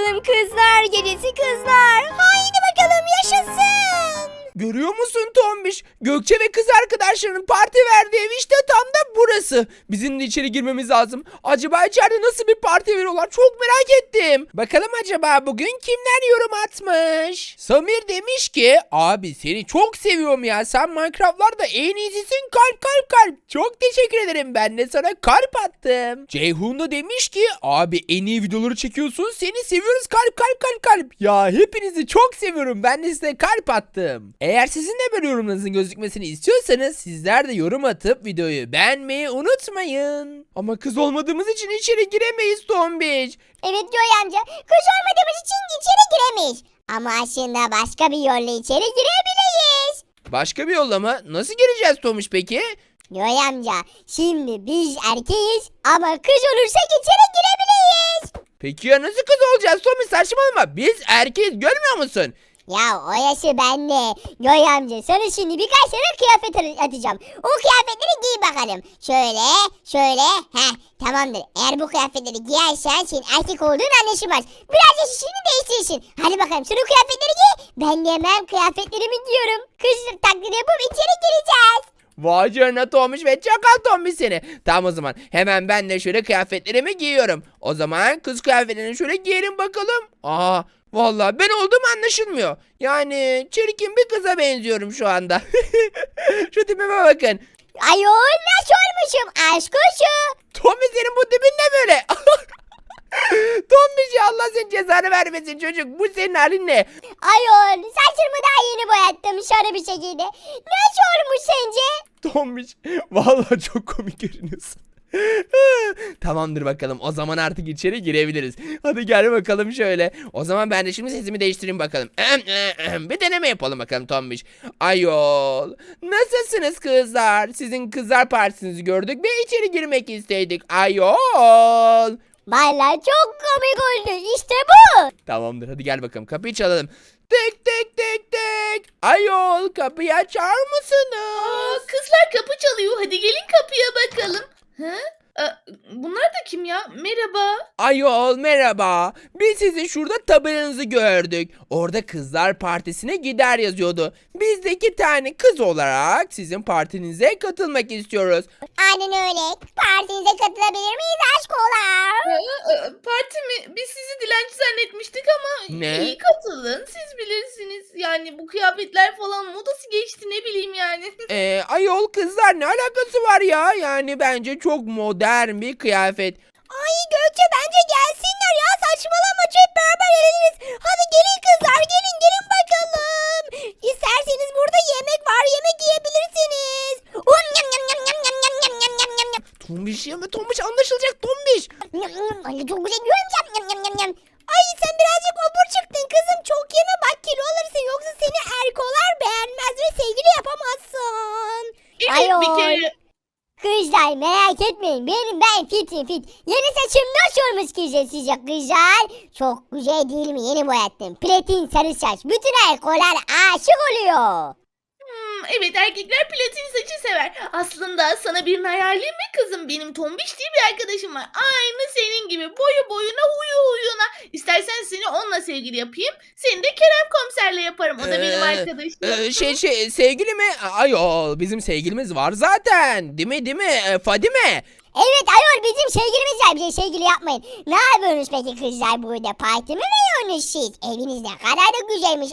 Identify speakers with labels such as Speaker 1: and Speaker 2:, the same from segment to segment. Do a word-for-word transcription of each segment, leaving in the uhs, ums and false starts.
Speaker 1: bakalım kızlar gecesi kızlar. Haydi bakalım yaşasın.
Speaker 2: Görüyor musun Tombiş? Gökçe ve kız arkadaşlarının parti verdiği ev işte tam da burası. Bizim de içeri girmemiz lazım. Acaba içeride nasıl bir parti veriyorlar? Çok merak ettim. Bakalım acaba bugün kimler yorum atmış? Samir demiş ki abi seni çok seviyorum ya. Sen Minecraft'larda en iyisisin. Kalp kalp kalp. Çok teşekkür ederim. Ben de sana kalp attım. Ceyhun da demiş ki abi en iyi videoları çekiyorsun. Seni seviyoruz kalp kalp kalp kalp. Ya hepinizi çok seviyorum. Ben de size kalp attım. Eğer sizin de böyle yorumlarınızın gözükmesini istiyorsanız sizler de yorum atıp videoyu beğenmeyi unutmayın. Ama kız olmadığımız için içeri giremeyiz Tombiç.
Speaker 1: Evet Joy amca, kız olmadığımız için içeri giremeyiz. Ama aslında başka bir yolla içeri girebiliriz.
Speaker 2: Başka bir yolla mı? Nasıl gireceğiz Tombiç peki?
Speaker 1: Joy amca, şimdi biz erkeğiz ama kız olursak içeri girebiliriz.
Speaker 2: Peki ya nasıl kız olacağız Tombiç, saçmalama. Biz erkeğiz, görmüyor musun?
Speaker 1: Ya o yaşı bende. Joy amca, sana şimdi birkaç tane kıyafet atacağım. O kıyafetleri giy bakalım. Şöyle, şöyle. Heh, tamamdır. Eğer bu kıyafetleri giyersen senin erkek olduğun anlaşılmaz. Biraz da şişini değiştirirsin. Hadi bakalım şunu kıyafetleri giy. Ben de hemen kıyafetlerimi giyiyorum. Kız taklidi yapıp içeri gireceğiz.
Speaker 2: Vay canına Tombiç ve çakal Tombiç seni. Tamam o zaman hemen ben de şöyle kıyafetlerimi giyiyorum. O zaman kız kıyafetlerini şöyle giyelim bakalım. Aa vallahi ben olduğum anlaşılmıyor. Yani çirkin bir kıza benziyorum şu anda. Şu tipime bakın.
Speaker 1: Ayol nasıl olmuşum aşk kuşu.
Speaker 2: Tombiç senin bu tipin ne böyle? Tombiç ya Allah senin cezanı vermesin çocuk. Bu senin halin ne?
Speaker 1: Ayol saçımı daha yeni boyattım şöyle bir şekilde. Nasıl olmuş sence?
Speaker 2: Tombiç vallahi çok komik görünüyorsun. Tamamdır bakalım. O zaman artık içeri girebiliriz. Hadi gel bakalım şöyle. O zaman ben de şimdi sesimi değiştireyim bakalım. Bir deneme yapalım bakalım Tombiş. Ayol. Nasılsınız kızlar? Sizin kızlar partisinizi gördük ve içeri girmek istedik. Ayol.
Speaker 1: Vallahi çok komik oldu işte bu.
Speaker 2: Tamamdır hadi gel bakalım kapıyı çalalım. Tek tek tek tek. Ayol kapıyı açar mısınız?
Speaker 3: Aa, kızlar kapı çalıyor. Hadi gelin kapıya bakalım. Ha? Aa, bunlar da kim ya? Merhaba.
Speaker 2: Ayol merhaba. Biz sizin şurada tabelanızı gördük. Orada kızlar partisine gider yazıyordu. Biz de iki tane kız olarak sizin partinize katılmak istiyoruz.
Speaker 1: Aynen öyle. Partinize katılabilir miyiz aşkolar?
Speaker 3: Aa, aa, parti mi? Biz sizi dilenci zannetmiştik ama
Speaker 2: Ne?
Speaker 3: iyi katılın. Siz bilirsiniz. Yani bu kıyafetler falan modası geçti ne bileyim yani.
Speaker 2: Ee, ayol kızlar ne alakası var ya? Yani bence çok modern bir kıyafet.
Speaker 1: Ay Gökçe bence gelsinler ya saçmalama hep beraber eğleniriz. Hadi gelin kızlar gelin gelin bakalım. İsterseniz burada yemek var yemek yiyebilirsiniz. Um, yam, yam, yam, yam, yam, yam, yam, yam, yam, yam.
Speaker 2: Tombiş ya mı Tombiş anlaşılacak Tombiş.
Speaker 1: Yam, yam, ay, çok güzel yiyorum yam, yam, yam, yam, yam. Ay sen birazcık obur çıktın kızım çok yeme bak kilo alırsın yoksa seni erkolar beğenmez ve sevgili yapamazsın.
Speaker 3: Evet
Speaker 1: Ayol.
Speaker 3: bir kere.
Speaker 1: Kızlar merak etmeyin benim ben fitim fit. Yeni saçım nasıl olmuş güzel sizce kızlar? Çok güzel değil mi yeni boyattım. Platin sarı saç bütün erkolar aşık oluyor.
Speaker 3: Hmm, evet erkekler platin saçı sever. Aslında sana birini ayarlayayım mı kızım? Benim tombiş diye bir arkadaşım var. Aynı senin gibi boyu boyuna huyu huyuna. İstersen seni onunla sevgili yapayım. Seni de Kerem komiserle yaparım. O da benim
Speaker 2: Ee,
Speaker 3: arkadaşım.
Speaker 2: Ee, şey şey sevgili mi? Ayol bizim sevgilimiz var zaten. Değil mi değil mi? Ee, Fadime.
Speaker 1: Evet ayol bizim sevgilimiz var bize sevgili yapmayın. Ne yapıyorsunuz peki kızlar burada parti mi veriyorsunuz siz? Eviniz ne kadar da güzelmiş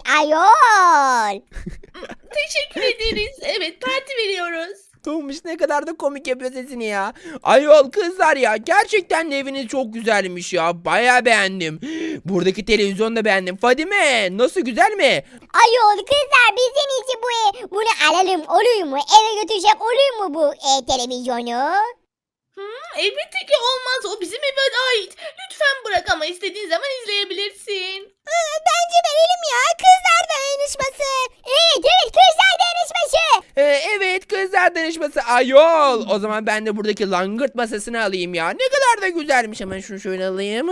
Speaker 1: ayol.
Speaker 3: Teşekkür ederiz. Evet parti veriyoruz.
Speaker 2: Tombiş ne kadar da komik yapıyor sesini ya. Ayol kızlar ya gerçekten de eviniz çok güzelmiş ya. Baya beğendim. Buradaki televizyonu da beğendim. Fadime nasıl güzel mi?
Speaker 1: Ayol kızlar bizim için bu ev. Bunu alalım olur mu? Eve götürecek olur mu bu e, televizyonu?
Speaker 3: Hmm, elbette ki olmaz. O bizim eve ait. Lütfen bırak ama istediğin zaman izleyebilirsin.
Speaker 1: Aa, bence verelim ya kızlar dayanışması. Evet evet kızlar dayanışması.
Speaker 2: Ee, evet kızlar danışması. Ayol o zaman ben de buradaki langırt masasını alayım ya. Ne kadar da güzelmiş. Hemen şunu şöyle alayım.
Speaker 3: Aa,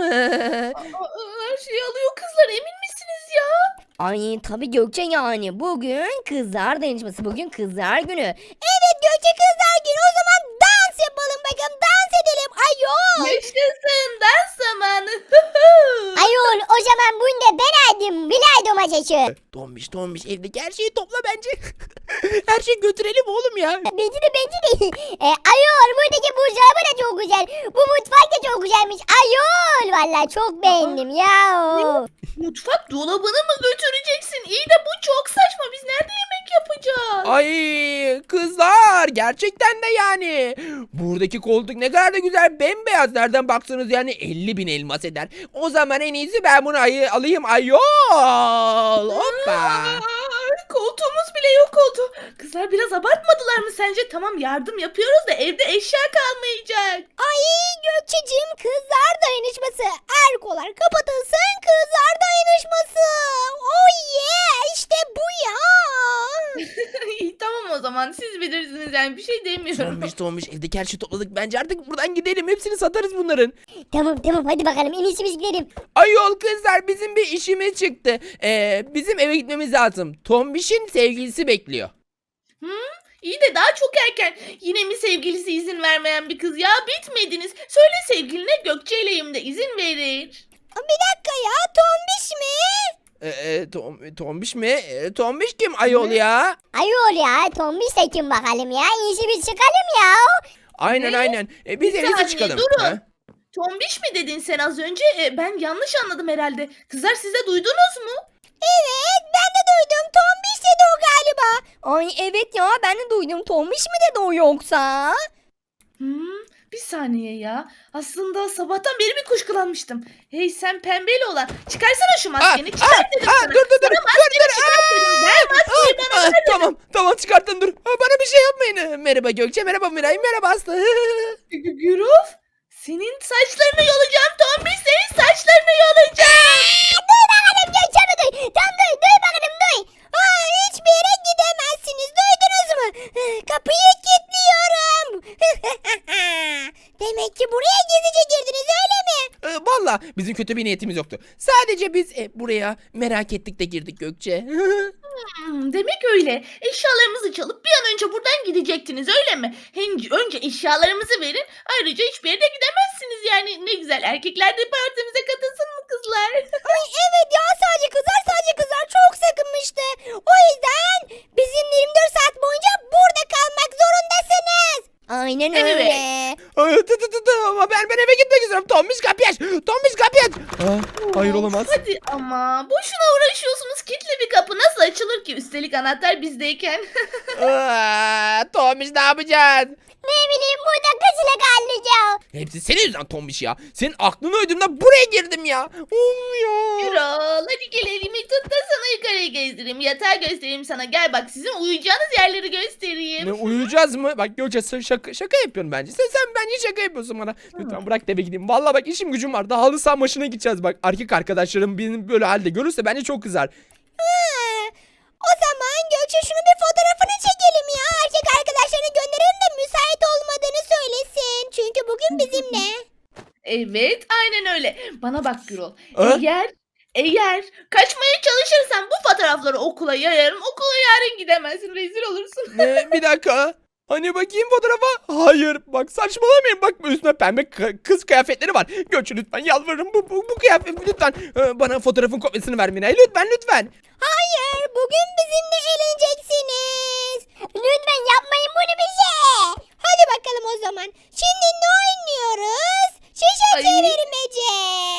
Speaker 3: her şeyi alıyor kızlar. Emin misiniz ya?
Speaker 4: Ay tabii Gökçe yani bugün kızlar dayanışması bugün kızlar günü.
Speaker 1: Evet Gökçe kızlar günü o zaman dans yapalım bakın dans edelim ayol.
Speaker 3: Yaşasın dans zamanı.
Speaker 1: Ayol o zaman bunu da ben aldım. Bilay domatesi.
Speaker 2: Tombiş tombiş evdeki her şeyi topla bence. Her şeyi götürelim oğlum ya.
Speaker 1: Bence de bence de. E, ayol buradaki buzdolabı da çok güzel. Bu mutfak da çok güzelmiş. Ayol vallahi çok beğendim ya.
Speaker 3: Mutfak dolabını mı götüreceksin? İyi de bu çok saçma. Biz nerede yemek yapacağız?
Speaker 2: Ay kızlar gerçekten de yani. Buradaki koltuk ne kadar da güzel bembeyaz. Nereden baksanız yani elli bin elmas eder. O zaman en iyisi ben bunu ayı alayım ayol. Hoppa.
Speaker 3: Aa, koltuğumuz bile yok oldu. Kızlar biraz abartmadılar mı sence? Tamam yardım yapıyoruz da evde eşya kalmayacak.
Speaker 4: Ay Gökçeciğim kızlar dayanışması. Erkolar kapatılsın kızlar dayanışması. Oh yeah işte bu ya.
Speaker 3: İyi tamam o zaman siz bilirsiniz yani bir şey demiyorum.
Speaker 2: Tombiş tombiş evdeki her şeyi topladık. Bence artık buradan gidelim. Hepsini satarız bunların.
Speaker 1: Tamam tamam hadi bakalım en iyisi biz gidelim.
Speaker 2: Ayol kızlar bizim bir işimiz çıktı. Ee, bizim eve gitmemiz lazım. Tombiş'in sevgilisi bekliyor.
Speaker 3: İyi de daha çok erken. Yine mi sevgilisi izin vermeyen bir kız ya? Bitmediniz. Söyle sevgiline Gökçe'yleyim de izin verir.
Speaker 4: Bir dakika ya tombiş mi?
Speaker 2: Ee, e, tom, tombiş mi? Ee, tombiş kim ayol ya?
Speaker 1: Ayol ya tombiş de kim bakalım ya. En iyisi biz çıkalım ya.
Speaker 2: Aynen
Speaker 3: Ne?
Speaker 2: aynen. Ee, biz
Speaker 3: Bir
Speaker 2: en iyisi
Speaker 3: saniye,
Speaker 2: çıkalım.
Speaker 3: durun.
Speaker 2: Ha?
Speaker 3: Tombiş mi dedin sen az önce? E, ben yanlış anladım herhalde. Kızlar siz de duydunuz mu?
Speaker 4: Evet ben de duydum tombiş dedi o galiba. Ay evet ya ben de duydum tombiş mi dedi o yoksa?
Speaker 3: Hmm, bir saniye ya. Aslında sabahtan beri bir kuşkulanmıştım. Hey sen pembeli olan. Çıkarsana şu maskeni.
Speaker 2: Aa,
Speaker 3: Çıkart
Speaker 2: aa,
Speaker 3: dedim
Speaker 2: aa,
Speaker 3: sana.
Speaker 2: dur, dur, dur,
Speaker 3: Sana
Speaker 2: dur,
Speaker 3: maskeni
Speaker 2: dur,
Speaker 3: çıkart dedim. Ver maskeyi bana.
Speaker 2: Aa, tamam tamam çıkarttın dur. Aa, bana bir şey yapmayın. Ee, Merhaba Gökçe, merhaba Miray, merhaba Aslı.
Speaker 3: Gü- Güruf. Senin saçlarını yolacağım Tombiş. Senin saçlarını yolacağım.
Speaker 1: Duy bakalım Gökçen'i duy. Tam duy duy bakalım duy.
Speaker 4: Aa, hiçbir yere gidemezsiniz duydunuz mu? Kapıyı kilitliyorum. Demek ki buraya gizlice girdiniz öyle mi?
Speaker 2: Ee, Valla bizim kötü bir niyetimiz yoktu. Sadece biz e, buraya merak ettik de girdik Gökçe.
Speaker 3: Hmm, demek öyle. Eşyalarımızı çalıp bir an önce buradan gidecektiniz öyle mi? Hem önce eşyalarımızı verin. Ayrıca hiçbir yere gidemezsiniz yani. Ne güzel erkekler de partimize katılsın mı kızlar?
Speaker 4: Ay evet ya sadece kızlar sadece kızlar çok sakınmıştı. O yüzden bizim yirmi dört saat boyunca burada kalmak zorundasınız. Aynen
Speaker 3: Evet.
Speaker 4: öyle.
Speaker 2: Ay, tı tı tı tı, ama ben ben eve gitmek istiyorum. Tombiş kapıyı aç. Tombiş kapıyı aç. Aa, hayır olamaz.
Speaker 3: Hadi ama boşuna uğraşıyorsunuz. Kilitli bir kapı nasıl açılır ki? Üstelik anahtar bizdeyken.
Speaker 2: Aa, Tombiş ne yapacaksın?
Speaker 1: Ne bileyim burada kızıyla kalacağım.
Speaker 2: Hepsi senin yüzünden Tombiş ya. Senin aklını uydurduğumda buraya girdim ya. Of ya.
Speaker 3: Yürol hadi gel elimi tut da sana yukarıya gezdireyim. Yatağı göstereyim sana. Gel bak sizin uyuyacağınız yerleri göstereyim.
Speaker 2: Ne uyuyacağız mı? Bak Gökçe sen şaka, şaka yapıyorsun bence. Sen, sen bence şaka yapıyorsun bana. Lütfen bırak da eve gideyim. Vallahi bak işim gücüm var. Daha halı saha maçına gideceğiz bak. Erkek arkadaşlarım benim böyle halde görürse bence çok kızar.
Speaker 4: Hı. O zaman Gökçe şunun bir fotoğrafını çekelim ya. Erkek arkadaşlarına gönderelim de müsait olmadığını söylesin. Çünkü bugün bizimle.
Speaker 3: Evet aynen öyle. Bana bak Gürol.
Speaker 2: Ha?
Speaker 3: Eğer eğer kaçmaya çalışırsan bu fotoğrafları okula yayarım. Okula yarın gidemezsin. Rezil olursun.
Speaker 2: Ne? Bir dakika. Hani bakayım fotoğrafa. Hayır bak saçmalamayın. Bak üstüne pembe k- kız kıyafetleri var. Gökçe lütfen yalvarırım. Bu, bu, bu kıyafet lütfen. Ee, bana fotoğrafın kopyasını ver Miray. Lütfen lütfen.
Speaker 4: Hayır bugün bizimle eğleneceksiniz.
Speaker 1: Lütfen yapmayın bunu bize.
Speaker 4: Hadi bakalım o zaman. Şimdi ne oynuyoruz? Şişe
Speaker 3: Ay.
Speaker 4: çevirmece.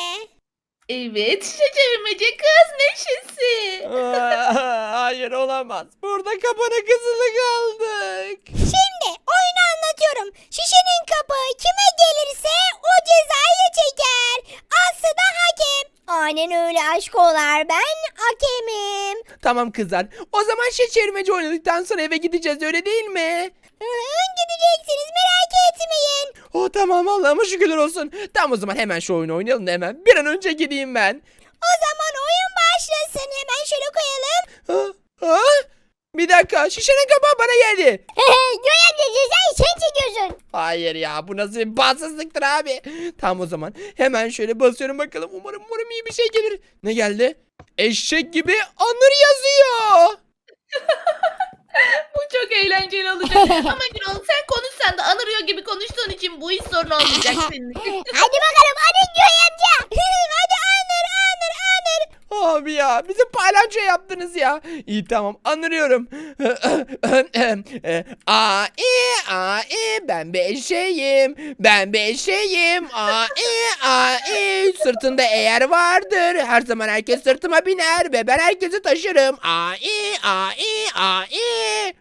Speaker 3: Evet şişe çevirmece kız neşesi.
Speaker 2: Aa, hayır olamaz. Burada kapana kızılı kaldık.
Speaker 4: Şimdi oyunu anlatıyorum. Şişenin kapağı kime gelirse o cezayı çeker. Aslı da hakem. Aynen öyle aşkolar ben hakemim.
Speaker 2: Tamam kızlar. O zaman şey çevirmeci oynadıktan sonra eve gideceğiz öyle değil mi?
Speaker 4: Hı hı, gideceksiniz merak etmeyin.
Speaker 2: Oh tamam Allah'ıma şükürler olsun. Tamam o zaman hemen şu oyunu oynayalım da hemen. Bir an önce gideyim ben.
Speaker 4: O zaman oyun başlasın. Hemen şöyle koyalım.
Speaker 2: Ha? Ha? Bir dakika şişenin kapağı bana geldi.
Speaker 1: Göy amca cezayı sen çekiyorsun.
Speaker 2: Hayır ya bu nasıl bir bahtsızlıktır abi. Tamam o zaman hemen şöyle basıyorum bakalım. Umarım umarım iyi bir şey gelir. Ne geldi? Eşek gibi anır yazıyor.
Speaker 3: Bu çok eğlenceli olacak. Ama Gürol sen konuşsan da anırıyor gibi konuştuğun için bu hiç sorun olmayacak senin için.
Speaker 1: Hadi bakalım hadi Joy amca.
Speaker 4: Hadi anır anır anır.
Speaker 2: Abi ya bizi palyaço yaptınız ya. İyi tamam anlıyorum. A i a i ben bir eşeğim. Ben bir eşeğim. A i a i sırtında eğer vardır. Her zaman herkes sırtıma biner ve ben herkesi taşırım. A i a i a i.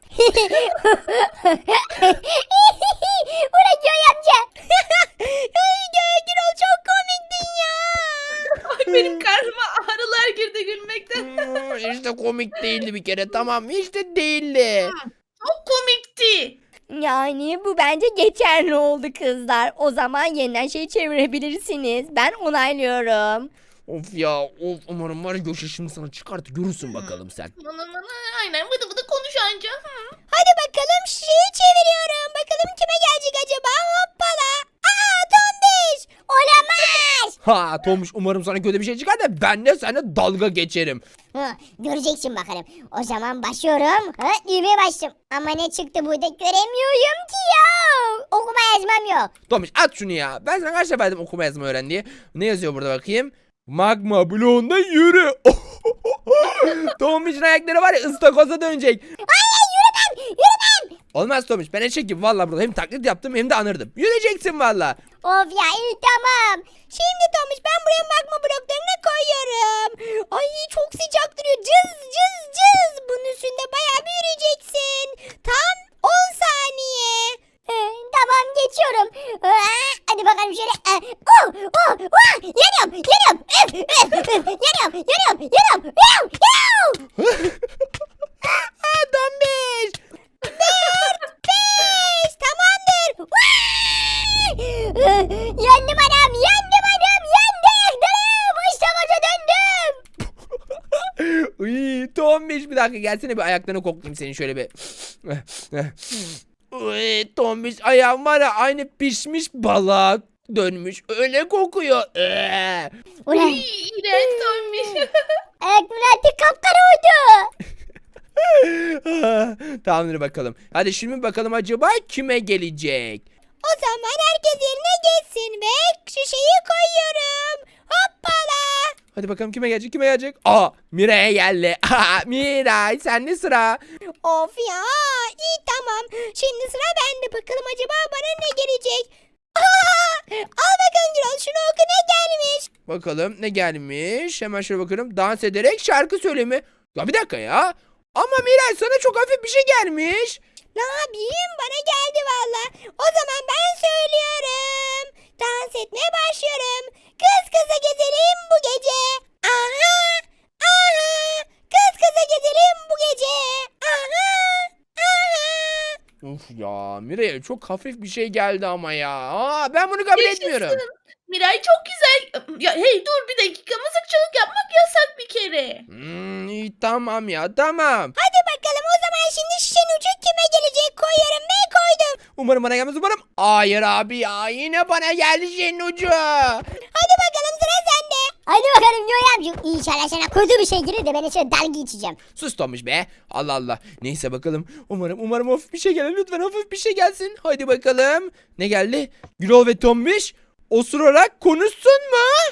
Speaker 1: Ulan Joy amca.
Speaker 4: Ay Gürol çok komiktin ya.
Speaker 3: Ay benim karnıma ağrılar girdi gülmekten.
Speaker 2: Hmm, Hiç de komik değildi bir kere tamam hiç de değildi.
Speaker 3: Çok komikti.
Speaker 4: Yani bu bence geçerli oldu kızlar. O zaman yeniden şey çevirebilirsiniz. Ben onaylıyorum.
Speaker 2: Of ya of umarım var ya Gökçe şimdi sana çıkartı görürsün bakalım sen.
Speaker 3: Bana bana aynen vıdı vıdı konuş anca. Hı.
Speaker 4: Hadi bakalım şeyi çeviriyorum. Bakalım kime gelecek acaba? Hoppala. Aa Tombiş.
Speaker 1: Olamaz.
Speaker 2: Ha Tomuş umarım sana kötü bir şey çıkar da ben de seninle dalga geçerim.
Speaker 1: Hı, göreceksin bakalım. O zaman başlıyorum. Ha, düğmeye bastım. Ama ne çıktı burada göremiyorum ki ya. Okuma yazmam yok.
Speaker 2: Tomuş at şunu ya. Ben sana kaç defa dedim okuma yazma öğren diye. Ne yazıyor burada bakayım? Magma bloğunda yürü. Tomuş'un ayakları var ya ıstakoza dönecek.
Speaker 1: Hayır yürümem yürümem.
Speaker 2: Olmaz Tomuş ben eşek valla burada hem taklit yaptım hem de anırdım. Yürüyeceksin valla.
Speaker 1: Of ya iyi tamam.
Speaker 4: Şimdi Tomuş ben buraya magma bloklarını koyuyorum. Ay çok sıcak duruyor. Cız cız cız. Bunun üstünde bayağı bir yürüyeceksin. Tam on saniye.
Speaker 1: Ee, tamam geçiyorum. Aa, hadi bakalım şöyle. Ee, oh, oh, oh, yanıyorum yanıyorum. Üf, üf, üf, yanıyorum yanıyorum yanıyorum yanıyorum yanıyorum.
Speaker 2: Ha Tomuş.
Speaker 4: Beş tamamdır.
Speaker 1: Yandım anam yandım anam yandım. İşte koca döndüm.
Speaker 2: Uy, Tombiş bir dakika gelsene bir ayaklarını koklayayım senin şöyle bir. Uy, Tombiş ayağım var ya aynı pişmiş balığa dönmüş. Öyle kokuyor. Ee.
Speaker 1: Ulan
Speaker 3: İyi, İğrenç olmuş.
Speaker 1: ayaklarım artık kapkara oldu.
Speaker 2: Tamamdır bakalım. Hadi şimdi bakalım acaba kime gelecek?
Speaker 4: O zaman herkes yerine geçsin ve şu şeyi koyuyorum. Hoppala.
Speaker 2: Hadi bakalım kime gelecek kime gelecek? Aa Miray'a geldi. Aa, Miray sende sıra.
Speaker 4: Of ya iyi tamam. Şimdi sıra bende. Bakalım acaba bana ne gelecek? Aa, al bakalım Gürol şunu oku ne gelmiş.
Speaker 2: Bakalım ne gelmiş? Hemen şöyle bakıyorum. Dans ederek şarkı söyleme. Ya bir dakika ya. Ama Miray sana çok hafif bir şey gelmiş.
Speaker 4: Ne yapayım bana geldi valla. O zaman ben söylüyorum. Dans etmeye başlıyorum. Kız kıza gezelim bu gece. Aha aha. Kız kıza gezelim bu gece. Aha aha.
Speaker 2: Uf ya Miray'a çok hafif bir şey geldi ama ya. Aa, ben bunu kabul
Speaker 3: Yaşasın.
Speaker 2: etmiyorum.
Speaker 3: Miray çok güzel. Ya hey dur bir dakika mızıkçılık yapmak yasak bir kere.
Speaker 2: Hmm, iyi, tamam ya tamam.
Speaker 4: Hadi bakalım o zaman şimdi şişenin ucu kime gelecek koyuyorum ve koydum.
Speaker 2: Umarım bana gelmez umarım. Hayır abi ya yine bana geldi şeyin ucu.
Speaker 4: Hadi bakalım sıra sende.
Speaker 1: Hadi bakalım Joy amca. İnşallah sana kötü bir şey gelir de ben içine dalga içeceğim.
Speaker 2: Sus Tomuş be. Allah Allah. Neyse bakalım. Umarım umarım hafif bir şey gelir. Lütfen hafif bir şey gelsin. Hadi bakalım. Ne geldi? Gürol ve Tombiş osurarak konuşsun mu?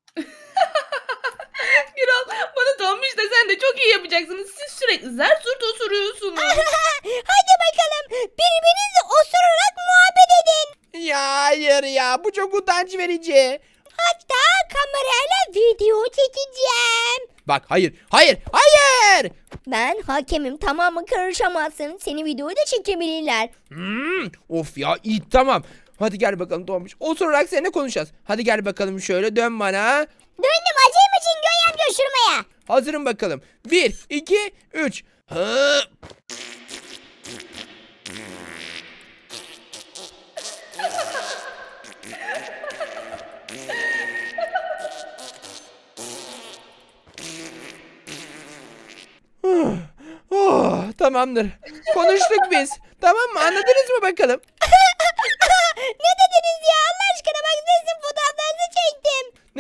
Speaker 3: Gürol bana Tombiş de sen de çok iyi yapacaksınız. Siz sürekli zar zurt osuruyorsunuz.
Speaker 4: Hadi bakalım birbirinizi osurarak muhabbet edin.
Speaker 2: Ya hayır ya. Bu çok utanç verici.
Speaker 4: Hatta kamerayla video çekeceğim.
Speaker 2: Bak hayır. Hayır. Hayır.
Speaker 4: Ben hakemim tamam mı karışamazsın. Seni videoyu da çekebilirler.
Speaker 2: Hmm, of ya iyi tamam. Hadi gel bakalım Tombiş. Osurarak seninle konuşacağız. Hadi gel bakalım şöyle dön bana.
Speaker 1: Döndüm acayip için Joy amca uçurmaya.
Speaker 2: Hazırım bakalım. Bir, iki, üç. Hı. Oh, oh, tamamdır. Konuştuk biz. Tamam mı? Anladınız mı bakalım?
Speaker 4: Ne dediniz ya Allah aşkına bak sizin fotoğraflarınızı çektim.
Speaker 2: Ne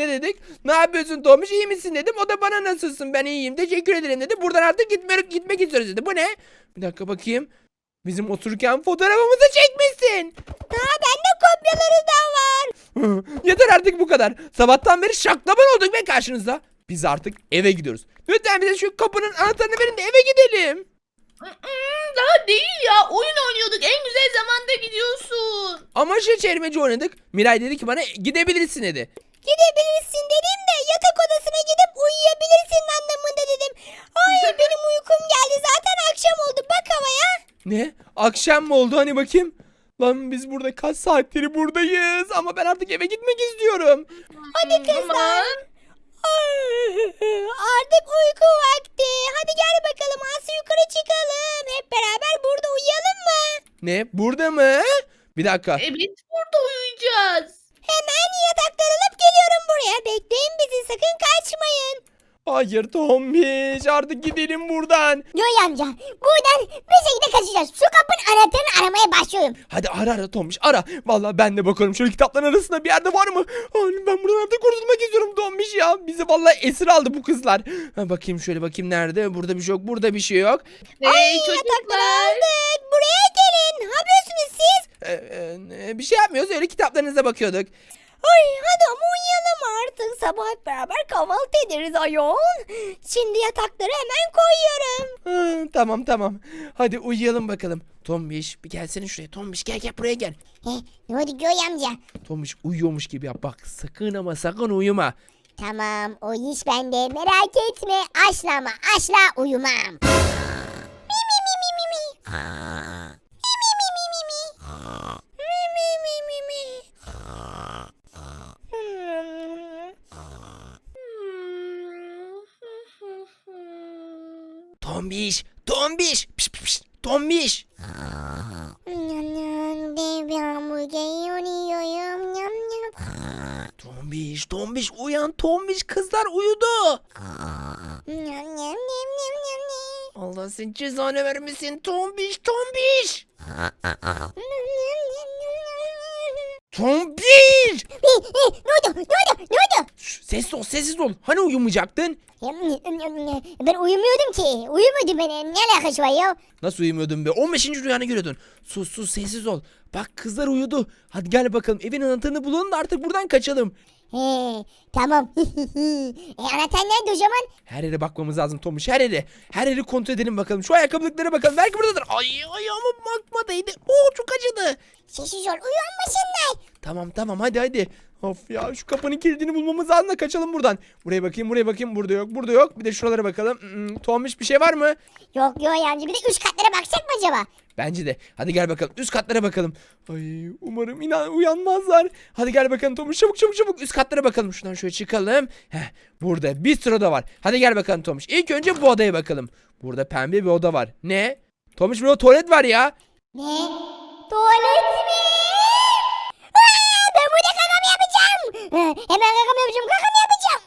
Speaker 2: ne dedik. Ne yapıyorsun Tomuş, iyi misin dedim. O da bana nasılsın, ben iyiyim teşekkür ederim dedi. Buradan artık gitmek, gitmek istiyoruz dedi. Bu ne? Bir dakika bakayım. Bizim otururken fotoğrafımızı çekmişsin.
Speaker 4: Daha bende kopyaları da var.
Speaker 2: Yeter artık bu kadar. Sabahtan beri şaklaban olduk ve karşınızda. Biz artık eve gidiyoruz. Lütfen bize şu kapının anahtarını verin de eve gidelim.
Speaker 3: Mm, Daha değil ya. Oyun oynuyorduk. En güzel zamanda gidiyorsun.
Speaker 2: Ama şey çevirmeci oynadık. Miray dedi ki bana gidebilirsin dedi.
Speaker 4: Gidebilirsin dedim de yatak odasına gidip uyuyabilirsin anlamında dedim. Ay benim uykum geldi zaten akşam oldu bak havaya.
Speaker 2: Ne? Akşam mı oldu hani bakayım? Lan biz burada kaç saattir buradayız ama ben artık eve gitmek istiyorum.
Speaker 4: Hadi kızlar.
Speaker 3: Aman.
Speaker 4: Ay, artık uyku vakti. Hadi gel bakalım Aslı yukarı çıkalım. Hep beraber burada uyuyalım mı?
Speaker 2: Ne? Burada mı? Bir dakika.
Speaker 3: Evet, burada uyuyacağız.
Speaker 4: Hemen yatakları alıp geliyorum buraya. Bekleyin bizi sakın kaçmayın.
Speaker 2: Hayır Tombiş, artık gidelim buradan.
Speaker 1: Yoy amca buradan bir şekilde kaçacağız. Şu kapının anahtarını aramaya başlıyorum.
Speaker 2: Hadi ara ara Tombiş ara. Vallahi ben de bakalım şöyle kitapların arasında bir yerde var mı? Ay, ben buradan artık kurtulmak istiyorum Tombiş ya. Bizi vallahi esir aldı bu kızlar. Ha, bakayım şöyle bakayım nerede? Burada bir şey yok, burada bir şey yok.
Speaker 3: Hey
Speaker 4: Yatakları
Speaker 3: çocuklar.
Speaker 4: aldık. Buraya gelin. Ne yapıyorsunuz siz?
Speaker 2: Ee, e, bir şey yapmıyoruz, öyle kitaplarınıza bakıyorduk.
Speaker 4: Ay hadi ama uyuyalım artık. Sabah hep beraber kahvaltı ederiz ayol. Şimdi yatakları hemen koyuyorum.
Speaker 2: Ha, tamam tamam. Hadi uyuyalım bakalım. Tombiş bir gelsene şuraya. Tombiş gel gel buraya gel.
Speaker 1: He, ne oldu Yoy amca?
Speaker 2: Tombiş uyuyormuş gibi yap. Bak sakın ama sakın uyuma.
Speaker 1: Tamam o iş bende merak etme. Asla ama asla uyumam. Mi mi mi mi mi mi. Mi mi mi mi mi mi.
Speaker 4: Mi mi mi mi mi.
Speaker 2: Tombiş, Tombiş. Piş, piş, piş. Tombiş.
Speaker 1: Dev bir hamburger yiyorum. Yam yam.
Speaker 2: Tombiş, Tombiş uyan Tombiş, kızlar uyudu.
Speaker 1: Yam yam yam yam yam yam.
Speaker 2: Allah senin cezanı vermesin Tombiş, Tombiş. Tombiş.
Speaker 1: Ne oldu? Ne oldu? Ne oldu?
Speaker 2: Şş, sessiz ol, sessiz ol. Hani uyumayacaktın?
Speaker 1: Ben uyumuyordum ki. Uyumuyordum ben. Ne alakası var ya?
Speaker 2: Nasıl uyumuyordun be? on beşinci rüyanı görüyordun. Sus sus sessiz ol. Bak kızlar uyudu. Hadi gel bakalım evin anahtarını bulalım da artık buradan kaçalım.
Speaker 1: He, tamam. e, anahtar nerede o zaman?
Speaker 2: Her yere bakmamız lazım Tomuş, her yere. Her yeri kontrol edelim bakalım. Şu ayakkabılıklara bakalım. Belki buradadır. Ay ayağıma bakma değdi. Oo çok acıdı.
Speaker 1: Sessiz ol. Uyanmasınlar.
Speaker 2: Tamam tamam hadi hadi. Of ya şu kapının kilidini bulmamız lazım da kaçalım buradan. Buraya bakayım buraya bakayım. Burada yok burada yok. Bir de şuralara bakalım. Hmm, Tomuş bir şey var mı?
Speaker 1: Yok yok yancı. Bir de üç katlara baksak mı acaba?
Speaker 2: Bence de. Hadi gel bakalım. Üst katlara bakalım. Ay umarım inan uyanmazlar. Hadi gel bakalım Tomuş. Çabuk çabuk çabuk. Üst katlara bakalım. Şuradan şöyle çıkalım. Heh, burada bir sürü oda var. Hadi gel bakalım Tomuş. İlk önce bu odaya bakalım. Burada pembe bir oda var. Ne? Tomuş burada tuvalet var ya.
Speaker 1: Ne? Tuvalet mi? Aa, ben burada kaka mı yapacağım? Ha, hemen kaka mı yapacağım? Kaka mı yapacağım?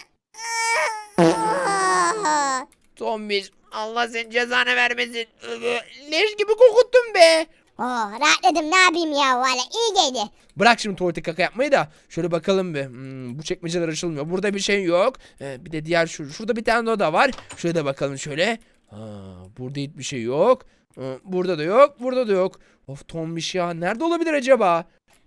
Speaker 1: Aa, aa, aa.
Speaker 2: Tomuş Allah senin cezanı vermesin. Leş gibi kokuttun be.
Speaker 1: Oh, rahatladım. Ne yapayım ya? Valla iyi geldi.
Speaker 2: Bırak şimdi tuvalete kaka yapmayı da şöyle bakalım bir. Hmm, bu çekmeceler açılmıyor. Burada bir şey yok. Ee, bir de diğer şu. Şurada bir tane oda var. Şöyle de bakalım şöyle. Ha, burada hiçbir şey yok. Ee, burada da yok. Burada da yok. Of Tombiş ya. Nerede olabilir acaba?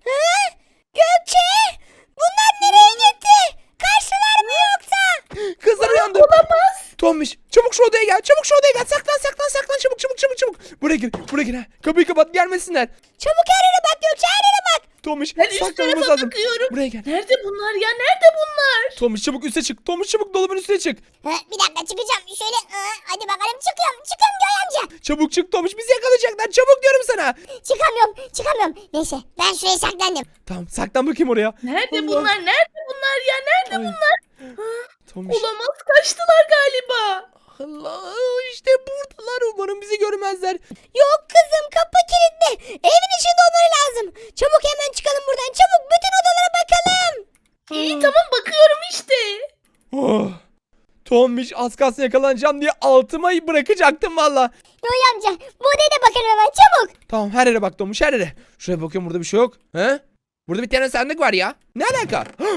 Speaker 4: Gökçe! Bunlar nereye gitti? Kaçtılar mı yoksa?
Speaker 2: Kızlar uyandı. Olamaz. Tombiş çabuk şu odaya gel. Çabuk şu odaya gel. Saklan saklan saklan. Çabuk çabuk çabuk çabuk. Buraya gir. Buraya gir. Ha. Kapıyı kapat gelmesinler.
Speaker 4: Çabuk her yere bak Gökçe her yere bak.
Speaker 2: Tombiş
Speaker 3: Ben üst
Speaker 2: saklanmamız
Speaker 3: tarafa
Speaker 2: lazım.
Speaker 3: bakıyorum.
Speaker 2: Buraya gel.
Speaker 3: Nerede bunlar ya? Nerede bunlar?
Speaker 2: Tombiş çabuk üste çık. Tombiş çabuk dolabın üstüne çık.
Speaker 1: Ha, bir dakika çıkacağım. Şöyle aa, hadi bakalım çıkıyorum. Çıkıyorum Göy amca.
Speaker 2: Çabuk çık Tombiş. Bizi yakalayacaklar. Çabuk diyorum sana.
Speaker 1: Çıkamıyorum. Çıkamıyorum. Neyse ben şuraya saklandım.
Speaker 2: Tamam saklan bakayım oraya.
Speaker 3: Nerede
Speaker 2: Allah.
Speaker 3: bunlar? Nerede bunlar ya? Nerede
Speaker 2: Ay.
Speaker 3: bunlar?
Speaker 2: Tombiş.
Speaker 3: Olamaz, kaçtılar galiba.
Speaker 2: Allah işte buradalar, umarım bizi görmezler.
Speaker 4: Yok kızım kapı kilitli. Evin içinde olmaları lazım. Çabuk hemen çıkalım buradan. Çabuk bütün odalara bakalım.
Speaker 3: İyi tamam bakıyorum işte.
Speaker 2: Oh. Tombiş az kalsın yakalanacağım diye altıma bırakacaktım valla.
Speaker 1: Göy amca bu odaya da bakalım hemen çabuk.
Speaker 2: Tamam her yere bak Tombiş her yere. Şuraya bakıyorum burada bir şey yok. He? Burada bir tane sandık var ya. Ne alaka? Tombiş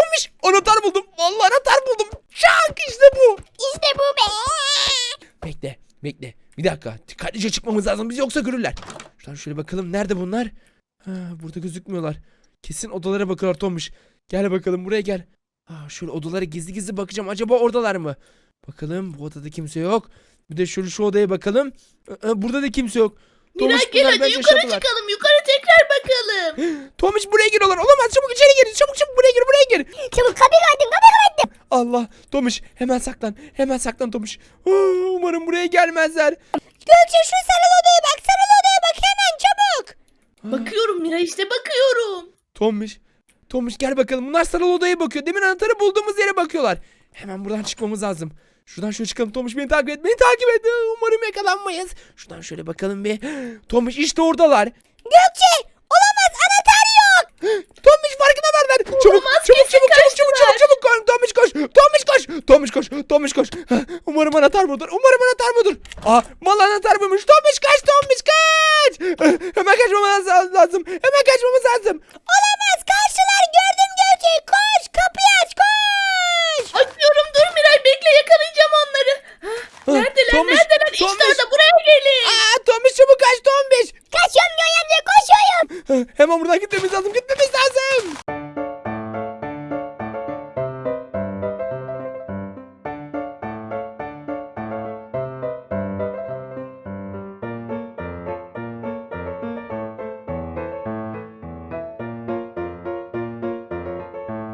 Speaker 2: Tombiş anahtar buldum. Vallahi anahtar buldum. Şak işte bu.
Speaker 1: İşte bu be.
Speaker 2: Bekle bekle. Bir dakika dikkatlice çıkmamız lazım biz yoksa görürler. Şuradan şöyle bakalım nerede bunlar? Ha, burada gözükmüyorlar. Kesin odalara bakıyorlar Tombiş. Gel bakalım buraya gel. Aa, şöyle odalara gizli gizli bakacağım. Acaba oradalar mı? Bakalım bu odada kimse yok. Bir de şöyle şu odaya bakalım. Ee, burada da kimse yok.
Speaker 3: Miray
Speaker 2: Tombiş,
Speaker 3: gel
Speaker 2: bunlar
Speaker 3: hadi
Speaker 2: bence
Speaker 3: yukarı
Speaker 2: şatolar.
Speaker 3: çıkalım. Yukarı tekrar bakalım.
Speaker 2: Tomiş buraya giriyorlar. Olamaz çabuk içeri gir. Çabuk çabuk buraya gir buraya gir.
Speaker 1: Çabuk kapıyı kapattım kapıyı kapattım.
Speaker 2: Allah Tomiş hemen saklan. Hemen saklan Tomiş. Aa, umarım buraya gelmezler.
Speaker 4: Gökçe şu sarılı odaya bak. Sarılı odaya bak hemen çabuk.
Speaker 3: Bakıyorum Miray işte bakıyorum.
Speaker 2: Tomiş. Tomiş gel bakalım. Bunlar sarılı odaya bakıyor. Demin anahtarı bulduğumuz yere bakıyorlar. Hemen buradan çıkmamız lazım. Şuradan şöyle çıkalım. Tomiş beni takip et. Beni takip et. Umarım yakalanmayız. Şuradan şöyle bakalım bir. Tomiş işte oradalar.
Speaker 4: Gökçe olamaz anahtar yok.
Speaker 2: Tomiş farkına varlar. Çabuk
Speaker 3: Olamaz,
Speaker 2: çabuk
Speaker 3: kesin
Speaker 2: çabuk çabuk çabuk
Speaker 3: kaçtılar.
Speaker 2: çabuk çabuk koş. Tomiş koş. Tomiş koş. Tomiş koş. Tomiş koş. Hah, umarım anahtar budur. Umarım anahtar budur. Aa mal anahtar buymuş. Tomiş kaç. Tomiş kaç. Hemen kaçmamız lazım. Hemen kaçmamız lazım.
Speaker 4: Olamaz karşılar gördüm Gökçe. Koş kapıyı aç koş.
Speaker 3: Açıyorum dur Miray bekle yakalayacağım onları. Hah,
Speaker 2: Ah,
Speaker 3: Neredeler
Speaker 2: Tomiş,
Speaker 3: neredeler? İşte
Speaker 2: Tomiş.
Speaker 3: orada buraya gelin.
Speaker 2: Aa Tomiş çabuk kaç Tomiş.
Speaker 1: Kaçıyorum Göğe amca koşuyorum.
Speaker 2: Hemen buradan gitmemiz lazım. Gitmemiz lazım.